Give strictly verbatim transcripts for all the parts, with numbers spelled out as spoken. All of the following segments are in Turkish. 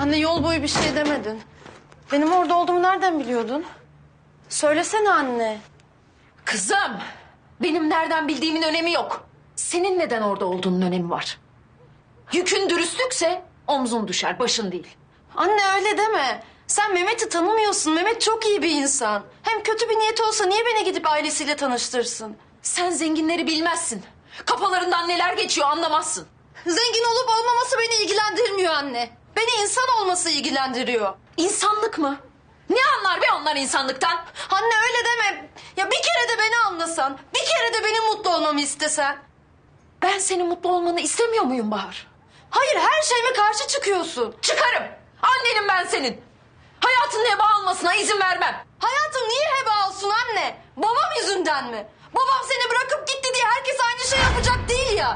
Anne yol boyu bir şey demedin. Benim orada olduğumu nereden biliyordun? Söylesene anne. Kızım, benim nereden bildiğimin önemi yok. Senin neden orada olduğunun önemi var. Yükün dürüstlükse omzun düşer, başın değil. Anne öyle deme. Sen Mehmet'i tanımıyorsun. Mehmet çok iyi bir insan. Hem kötü bir niyeti olsa niye beni gidip ailesiyle tanıştırsın? Sen zenginleri bilmezsin. Kafalarından neler geçiyor anlamazsın. Zengin olup olmaması beni ilgilendirmiyor anne. Beni insan olması ilgilendiriyor. İnsanlık mı? Ne anlar be onlar insanlıktan? Anne öyle deme. Ya bir kere de beni anlasan, bir kere de benim mutlu olmamı istesen. Ben senin mutlu olmanı istemiyor muyum Bahar? Hayır, her şeyime karşı çıkıyorsun. Çıkarım. Annenim ben senin. Hayatının heba almasına izin vermem. Hayatım niye heba olsun anne? Babam yüzünden mi? Babam seni bırakıp gitti diye herkes aynı şey yapacak değil ya.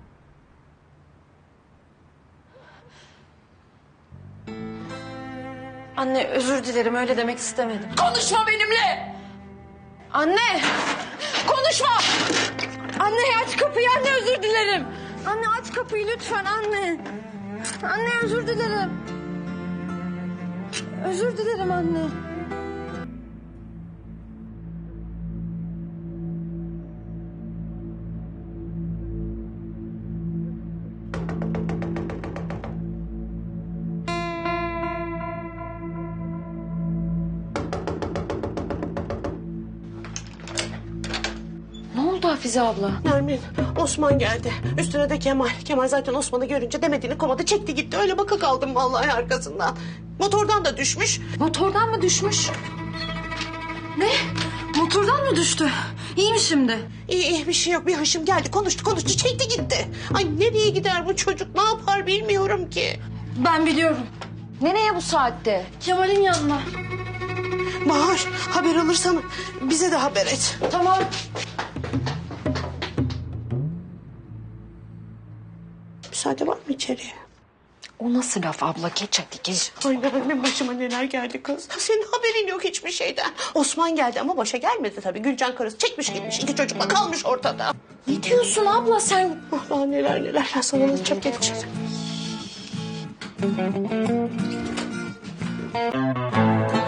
Anne özür dilerim, öyle demek istemedim. Konuşma benimle. Anne! Konuşma. Anne aç kapıyı, anne özür dilerim. Anne aç kapıyı lütfen anne. Anne özür dilerim. Özür dilerim anne. Ne oldu Hafize abla? Nermin, Osman geldi. Üstüne de Kemal. Kemal zaten Osman'ı görünce demediğini komadı, çekti gitti. Öyle baka kaldım vallahi arkasından. Motordan da düşmüş. Motordan mı düşmüş? Ne? Motordan mı düştü? İyi mi şimdi? İyi iyi bir şey yok. Bir hışım geldi, konuştu konuştu, çekti gitti. Ay nereye gider bu çocuk, ne yapar bilmiyorum ki. Ben biliyorum. Nereye bu saatte? Kemal'in yanına. Bahar, haber alırsan bize de haber et. Tamam. Müsaade var mı içeriye? O nasıl laf abla? Geç hadi geç. Ay benim başıma neler geldi kız. Senin haberin yok hiçbir şeyden. Osman geldi ama başa gelmedi tabii. Gülcan karısı çekmiş gitmiş. İki çocukla kalmış ortada. Ne diyorsun abla sen? Ah daha neler neler. Ben sana anlatacağım gelecek.